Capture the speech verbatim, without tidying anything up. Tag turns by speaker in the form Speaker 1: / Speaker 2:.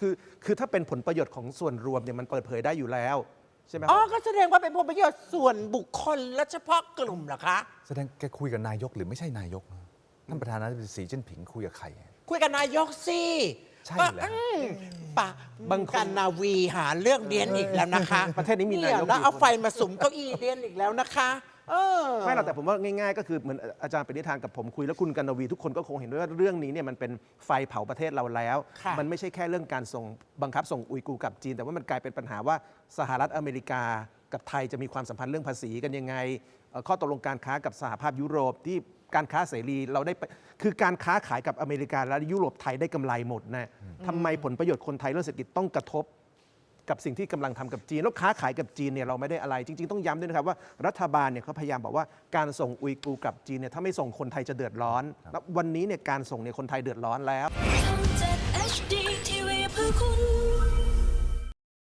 Speaker 1: คือคือถ้าเป็นผลประโยชน์ของส่วนรวมเนี่ยมันเปิดเผยได้อยู่แล้วใช่ไหม
Speaker 2: อ๋อก็แสดงว่าเป็นผลประโยชน์ส่วนบุคคลและเฉพาะกลุ่มเหรอคะ
Speaker 3: แสดงแกคุยกับนายกหรือไม่ใช่นายกท่านประธานาธิบดีสีจิ้นผิงคุยกับใคร
Speaker 2: คุยกับนายกสิ
Speaker 3: ใช่แล้ว
Speaker 2: อืมปะ
Speaker 1: บางคน
Speaker 2: กันนาวีหาเรื่องเรียนอีกแล้วนะคะ
Speaker 1: ประเทศนี้มีนายก
Speaker 2: เแล้ว
Speaker 1: กี่
Speaker 2: เอา
Speaker 1: คน
Speaker 2: ไฟมาสุมเก้าอี้เรียนอีกแล้วนะคะเออ
Speaker 1: ไม่หรอกแต่ผมว่าง่ายๆก็คือเหมือนอาจารย์ปณิธานกับผมคุยแล้วคุณกันวีทุกคนก็คงเห็นด้วยว่าเรื่องนี้เนี่ยมันเป็นไฟเผาประเทศเราแล้ว
Speaker 2: ค่ะ
Speaker 1: มันไม่ใช่แค่เรื่องการส่งบังคับส่งอุยกูร์กลับจีน แต่ว่ามันกลายเป็นปัญหาว่าสหรัฐอเมริกากับไทยจะมีความสัมพันธ์เรื่องภาษีกันยังไงเอ่อข้อตกลงการค้ากับสหภาพยุโรปที่การค้าเสรีเราได้ไปคือการค้าขายกับอเมริกาและยุโรปไทยได้กำไรหมดนะทำไมผลประโยชน์คนไทยเรื่องเศรษฐกิจต้องกระทบ กับสิ่งที่กำลังทำกับจีนแล้วค้าขายกับจีนเนี่ยเราไม่ได้อะไรจริงๆต้องย้ำด้วยนะครับว่ารัฐบาลเนี่ยเขาพยายามบอกว่าการส่งอุยกูร์กลับจีนเนี่ยถ้าไม่ส่งคนไทยจะเดือดร้อนแล้ววันนี้เนี่ยการส่งเนี่ยคนไทยเดือดร้อนแล้ว
Speaker 4: ทำจาก เอช ดี ที